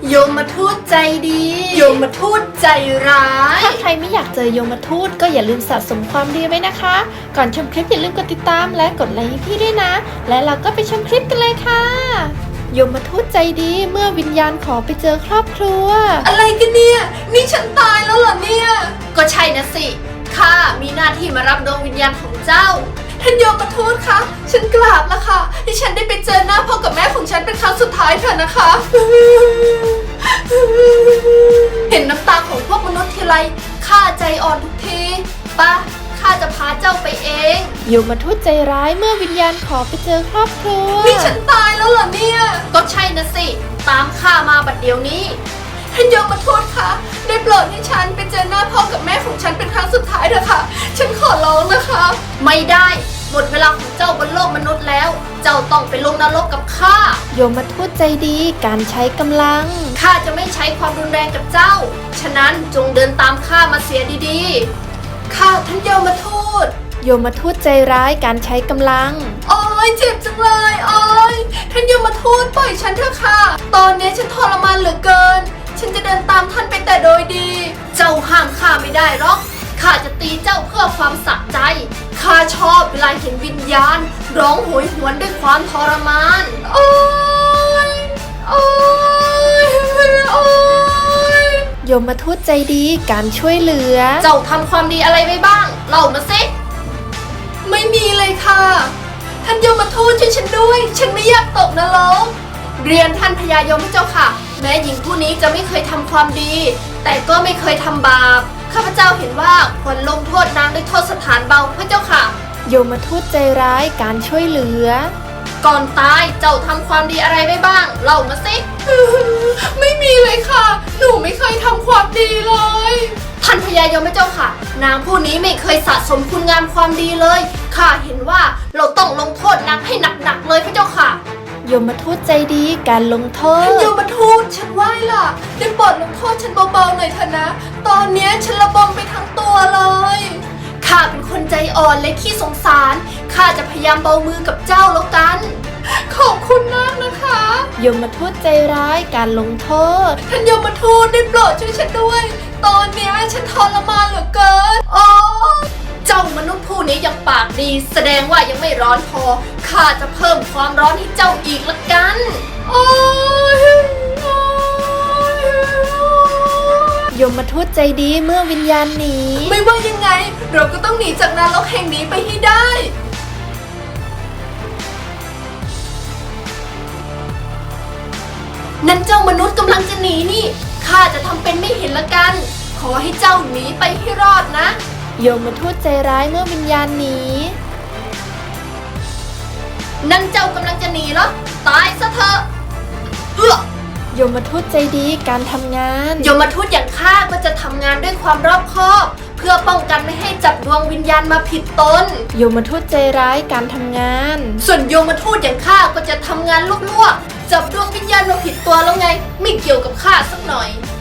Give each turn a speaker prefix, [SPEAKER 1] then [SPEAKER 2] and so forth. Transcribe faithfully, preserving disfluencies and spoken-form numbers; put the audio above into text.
[SPEAKER 1] โยมทูตใจดีโยมทูตใจร้าย
[SPEAKER 2] ถ้าใครไม่อยากเจอโยมทูตก็อย่าลืมสะสมความดีไว้นะคะก่อนชมคลิปอย่าลืมกดติดตามและกดไลค์ให้พี่ด้วยนะและเราก็ไปชมคลิปกันเลยค่ะโยมทูตใจดีเมื่อวิญญาณขอไปเจอครอบครัว
[SPEAKER 1] อะไรกันเนี่ยนี่ฉันตายแล้วเหรอเนี่ยก็ใช่นะสิข้ามีหน้าที่มารับดวงวิญญาณของเจ้าท่านโยมทูตคะฉันกราบแล้วค่ะที่ฉันได้ไปเจอหน้าพ่อกับแม่ของฉันเป็นครั้งสุดท้ายเถอะนะคะเห็นน้ำตาของพวกมนุษย์ทีไรข้าใจอ่อนทุกทีป่ะข้าจะพาเจ้าไปเอง
[SPEAKER 2] โยมทูตใจร้ายเมื่อวิญญาณขอไปเจอครอบครัว
[SPEAKER 1] นี่ฉันตายแล้วเหรอเนี่ยก็ใช่นะสิตามข้ามาบัดเดี๋ยวนี้ท่านโยมทูตคะได้โปรดให้ฉันไปเจอหน้าพ่อกับแม่ของฉันเป็นครั้งสุดท้ายเถอะค่ะฉันขอร้องนะคะไม่ได้หมดเวลาของเจ้าบนโลกมนุษย์แล้วเจ้าต้องไปลงนรกกับข้า
[SPEAKER 2] โยมทูตใจดีการใช้กำลัง
[SPEAKER 1] ข้าจะไม่ใช้ความรุนแรงกับเจ้าฉะนั้นจงเดินตามข้ามาเสียดีๆข้าท่านโยมทูต
[SPEAKER 2] โยมทูตใจร้ายการใช้กำลัง
[SPEAKER 1] โอ๊ยเจ็บจังเลยโอ๊ยท่านโยมทูตปล่อยฉันเถอะค่ะตอนนี้ฉันทรมานเหลือเกินฉันจะเดินตามท่านไปแต่โดยดีเจ้าห้ามข้าไม่ได้หรอกข้าจะตีเจ้าเพื่อความสะใจข้าชอบเวลาเห็นวิญญาณร้องโหยหวนด้วยความทรมานโอ๊ยโอ๊ยโอ๊ย
[SPEAKER 2] โยมทูตใจดีการช่วยเหลือ
[SPEAKER 1] เจ้าทำความดีอะไรไปบ้างเล่ามาสิไม่มีเลยค่ะท่านโยมทูตช่วยฉันด้วยฉันไม่อยากตกนรกเรียนท่านพญายมพระเจ้าค่ะแม้หญิงผู้นี้จะไม่เคยทำความดีแต่ก็ไม่เคยทำบาปข้าพเจ้าเห็นว่าควรลงโทษนางด้วยโทษสถานเบาพระเจ้าค่ะ
[SPEAKER 2] โยมทูตใจร้ายการช่วยเหลือ
[SPEAKER 1] ก่อนตายเจ้าทำความดีอะไรไว้บ้างเล่ามาสิไม่มีเลยค่ะหนูไม่เคยทำความดีเลยท่านพญายมพระเจ้าค่ะนางผู้นี้ไม่เคยสะสมคุณงามความดีเลยข้าเห็นว่าเราต้องลงโทษนางให้หนักๆเลยพระเจ้าค่ะ
[SPEAKER 2] โยมทูตใจดีการลงโทษ
[SPEAKER 1] ท่านโยมทูตฉันไหว้ล่ะได้โปรดลงโทษฉันเบาๆหน่อยเถอะนะตอนนี้ฉันระบมไปทั้งตัวเลยข้าเป็นคนใจอ่อนและขี้สงสารข้าจะพยายามเบามือกับเจ้าแล้วกันขอบคุณมากนะคะ
[SPEAKER 2] โยมทูตใจร้ายการลงโทษ
[SPEAKER 1] ท่านโยมทูตได้โปรดช่วยฉันด้วยตอนนี้ฉันทรมานเหลือเกินอ๋อเจ้ามนุษย์ผู้นี้ยังปากดีแสดงว่ายังไม่ร้อนพอข้าจะเพิ่มความร้อนให้เจ้าอีกละกันโอ้ย
[SPEAKER 2] โยมทูตใจดีเมื่อวิญญาณหนี
[SPEAKER 1] ไม่ว่ายังไงเราก็ต้องหนีจากนรกแห่งนี้ไปให้ได้นั่นเจ้ามนุษย์กำลังจะหนีนี่ข้าจะทำเป็นไม่เห็นละกันขอให้เจ้าหนีไปให้รอดนะ
[SPEAKER 2] โยมทูตใจร้ายเมื่อวิญญาณหนี
[SPEAKER 1] นั่นเจ้ากำลังจะหนีเหรอตายซะเถอะเฮ้อ
[SPEAKER 2] โยมทูตใจดีการทำงาน
[SPEAKER 1] โยมทูตอย่างข้าก็จะทำงานด้วยความรอบคอบเพื่อป้องกันไม่ให้จับดวงวิญญาณมาผิดตน
[SPEAKER 2] โยมทูตใจร้ายการทำงาน
[SPEAKER 1] ส่วนโยมทูตอย่างข้าก็จะทำงานลวกๆจับดวงวิญญาณมาผิดตัวแล้วไงไม่เกี่ยวกับข้าสักหน่อย